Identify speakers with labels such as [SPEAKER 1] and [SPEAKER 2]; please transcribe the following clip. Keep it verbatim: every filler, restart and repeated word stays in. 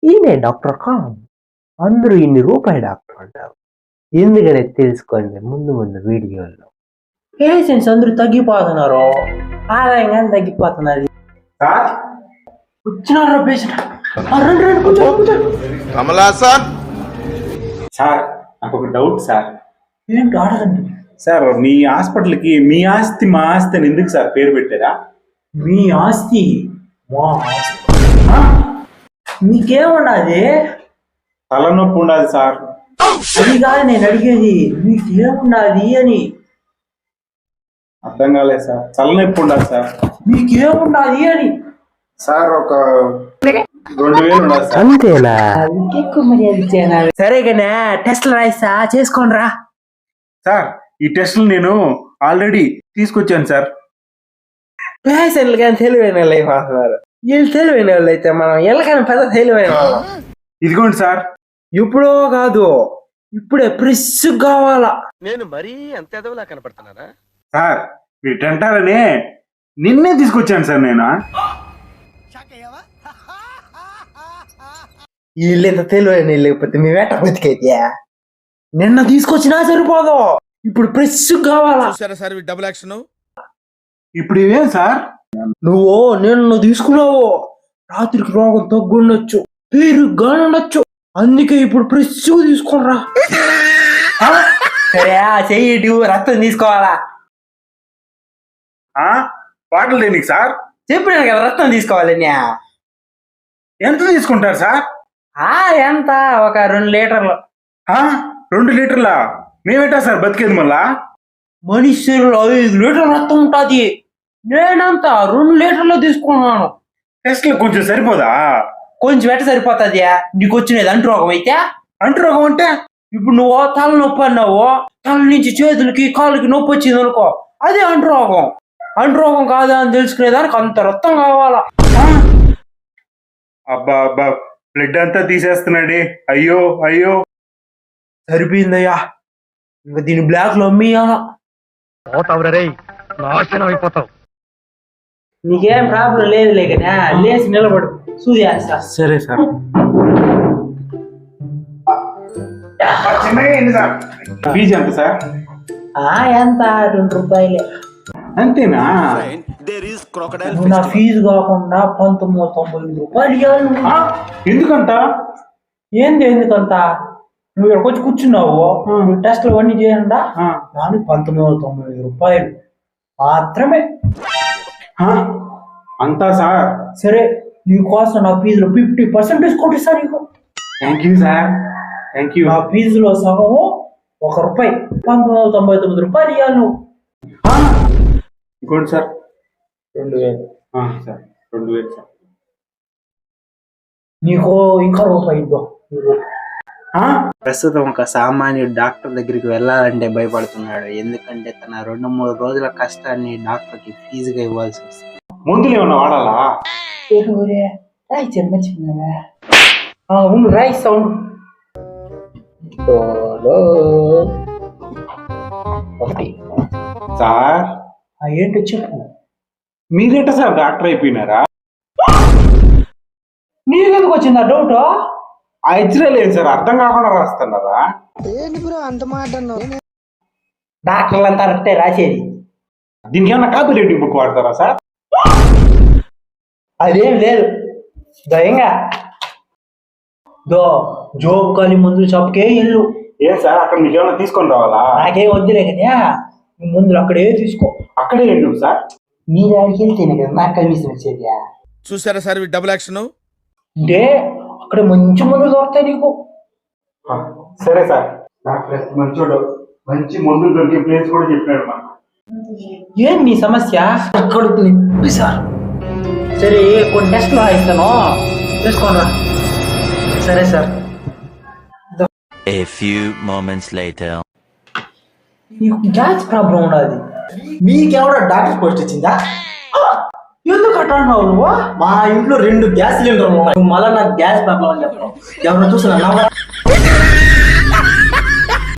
[SPEAKER 1] ఈయనే doctor com. అందరూ ఇన్ని రూపాయి డాక్టర్ అంటారు. ఎందుకనే తెలుసుకోండి ముందు ముందు వీడియోల్లో. పేషెంట్స్ అందరూ తగ్గిపోతున్నారు, ఆదాయం కానీ తగ్గిపోతున్నది. వచ్చినారా పేషెంట్?
[SPEAKER 2] సార్ నాకు ఒక డౌట్ సార్.
[SPEAKER 1] ఏంటి అడగండి
[SPEAKER 2] సార్, మీ హాస్పిటల్కి మీ ఆస్తి మా ఆస్తి అని ఎందుకు సార్ పేరు పెట్టారా?
[SPEAKER 1] మీ ఆస్తి మా ఆస్తి మీకేమున్నది?
[SPEAKER 2] తలనొప్పి ఉండదు సార్.
[SPEAKER 1] అది కాదు నేను అడిగేది, మీకేమున్నది అని.
[SPEAKER 2] అర్థం కాలేదు సార్. తలనొప్పి ఉండదు సార్.
[SPEAKER 1] మీకేమున్నది అని
[SPEAKER 2] సార్ ఒక రెండు వేలు ఉండదు సార్.
[SPEAKER 1] అంతేనా? సరే కానీ టెస్ట్లు రాయిస్తా, చేసుకోండి రా.
[SPEAKER 2] సార్ ఈ టెస్టులు నేను ఆల్రెడీ తీసుకొచ్చాను సార్.
[SPEAKER 1] పేషెంట్లు కానీ తెలివైన వాళ్ళు అయిపోతున్నారు. వీళ్ళు తెలివైన వాళ్ళు అయితే మనం ఎలాగైనా పెద్ద తెలివైన వాళ్ళం.
[SPEAKER 2] ఇదిగోండి సార్.
[SPEAKER 1] ఇప్పుడో కాదు, ఇప్పుడే ఫ్రెష్ కావాలా.
[SPEAKER 3] నేను మరీ అంత ఎదవలా కనపడుతున్నానా?
[SPEAKER 2] సార్ మీరు టెంటారనే నిన్నే తీసుకొచ్చాను సార్ నేను.
[SPEAKER 1] వీళ్ళు ఎంత తెలివైన లేకపోతే మేము ఎట్ట బతికైతే నిన్న తీసుకొచ్చినా సరిపోదు, ఇప్పుడు ఫ్రెష్ కావాలా.
[SPEAKER 3] Sir double action.
[SPEAKER 2] ఇప్పుడు ఇవేం సార్?
[SPEAKER 1] నువ్వు నిన్న తీసుకున్నావు, రాత్రికి రోగం తగ్గుండొచ్చు, పేరుగా ఉండొచ్చు, అందుకే ఇప్పుడు ఫ్రెష్ తీసుకోరా. సరే చెయ్యి, రక్తం తీసుకోవాలా.
[SPEAKER 2] బాటిల్ దేనికి సార్?
[SPEAKER 1] చెప్పినాను కదా రక్తం తీసుకోవాలని.
[SPEAKER 2] ఎంత తీసుకుంటారు సార్?
[SPEAKER 1] ఎంత ఒక రెండు లీటర్లు.
[SPEAKER 2] రెండు లీటర్లా? మేమేటా సార్ బతికేది మళ్ళా?
[SPEAKER 1] మనిషిలో ఐదు లీటర్ల రక్తం ఉంటుంది, నేనంతా రెండు లీటర్లు తీసుకున్నాను.
[SPEAKER 2] టెస్ట్ కొంచెం సరిపోదా?
[SPEAKER 1] కొంచెం ఎట్ట సరిపోతుంది? నీకు వచ్చినది అంటు రోగం అయితే.
[SPEAKER 2] అంటు రోగం అంటే
[SPEAKER 1] ఇప్పుడు నువ్వు తల నొప్పి అన్నావు, తల నుంచి చేతులకి కాళ్ళకి నొప్పి వచ్చింది అనుకో, అదే అంటు రోగం. అంటు రోగం కాదా అని తెలుసుకునేదానికి అంత రక్తం కావాలా.
[SPEAKER 2] అబ్బా అబ్బా, బ్లడ్ అంతా తీసేస్తున్నాడే. అయ్యో అయ్యో.
[SPEAKER 1] సరిపోయిందయ్యా, ఇంకా దీని బ్లాక్ లో అమ్మేయాలా.
[SPEAKER 3] అయిపోతావు.
[SPEAKER 1] నీకేం ప్రాబ్లం లేదు లేకనా, లేచి నిలబడు, సూది వేస్తా.
[SPEAKER 2] సరే సార్. ఫీజు ఎంత సార్?
[SPEAKER 1] ఎంత? రెండు రూపాయలే.
[SPEAKER 2] అంతేనా?
[SPEAKER 1] నా ఫీజు కాకుండా పంతొమ్మిది వందల తొంభై ఐదు రూపాయలు ఇవ్వాలి.
[SPEAKER 2] ఎందుకంత?
[SPEAKER 1] ఏంది ఎందుకంత? నువ్వు ఇక్కడికి వచ్చి కూర్చున్నావు, నువ్వు టెస్ట్లు అన్నీ చేయండా, దానికి పంతొమ్మిది వందల తొంభై ఐదు రూపాయలు మాత్రమే.
[SPEAKER 2] అంతా సార్?
[SPEAKER 1] సరే, నీకోసం నా ఫీజులో ఫిఫ్టీ పర్సెంట్ డిస్కౌంట్ ఇస్తా నీకు.
[SPEAKER 2] Thank you sir, thank you.
[SPEAKER 1] నా ఫీజులో సగము ఒక రూపాయి, పంతొమ్మిది వందల తొంభై తొమ్మిది రూపాయలు ఇవ్వాలి నువ్వు.
[SPEAKER 2] ఇంకోటి సార్?
[SPEAKER 1] రెండు వేలు
[SPEAKER 2] సార్. రెండు వేలు సార్.
[SPEAKER 1] నీకు ఇంకా రూపాయి ఇద్దాం.
[SPEAKER 4] ప్రస్తుతం ఒక సామాన్యుడు డాక్టర్ దగ్గరికి వెళ్ళాలంటే భయపడుతున్నాడు, ఎందుకంటే తన రెండు మూడు రోజుల కష్టాన్ని డాక్టర్ కి ఫీజుగా ఇవ్వాల్సి వస్తుంది.
[SPEAKER 2] మందులు ఏమన్నా వాడాలా?
[SPEAKER 1] రాయి చిన్న చిన్న రాయి సౌండ్. ఒకటి
[SPEAKER 2] సార్.
[SPEAKER 1] ఏంటో చెప్పు.
[SPEAKER 2] మీరేట సార్ డాక్టర్ అయిపోయినారా?
[SPEAKER 1] నీకెందుకు వచ్చిందా డౌట్?
[SPEAKER 2] ఆ ఎక్స్రే లేదు సార్, అర్థం కాకుండా రాస్తున్నారా?
[SPEAKER 1] డాక్టర్లు అంతా కరెక్టే రాసేది.
[SPEAKER 2] దీనికి ఏమన్నా కాపీ రైటింగ్ బుక్ వాడతారా సార్?
[SPEAKER 1] అదేం లేదు, దయంగా దో జోబు కాలి ముందు చప్పుకే ఇల్లు.
[SPEAKER 2] ఏం సార్ అక్కడ మీకు ఏమన్నా తీసుకొని రావాలా?
[SPEAKER 1] నాకేం వద్దులే కదా, ముందు అక్కడే తీసుకో.
[SPEAKER 2] అక్కడే ఎందుకు సార్?
[SPEAKER 1] మీరు ఆడికి వెళ్తేనే కదా నాకు కమిషన్ వచ్చేది.
[SPEAKER 3] చూసారా సార్ డబుల్ యాక్షన్
[SPEAKER 1] అంటే అక్కడ మంచి మందులు దొరుకుతాయి నీకు.
[SPEAKER 2] సరే సార్, డాక్టర్ మంచోడు, మంచి మందులు దొరికే ప్లేస్ కూడా చెప్పాడు మా.
[SPEAKER 1] ఏం నీ సమస్య? కడుపుని సార్. సరే కొన్ని టెస్ట్లు రాయిస్తాను, తీసుకోండి. సరే sir.
[SPEAKER 5] A few moments later.
[SPEAKER 1] నీకు గ్యాస్ ప్రాబ్లం ఉన్నది.
[SPEAKER 6] మీకెవడో డాక్టర్ పోస్ట్ ఇచ్చిందా?
[SPEAKER 1] ఎందుకు అట్టావు నువ్వు?
[SPEAKER 6] మా ఇంట్లో రెండు గ్యాస్ సిలిండర్లు ఉన్నాయి, మళ్ళీ నాకు గ్యాస్ ప్రాబ్లం అని చెప్పడం ఎవరైనా చూసిన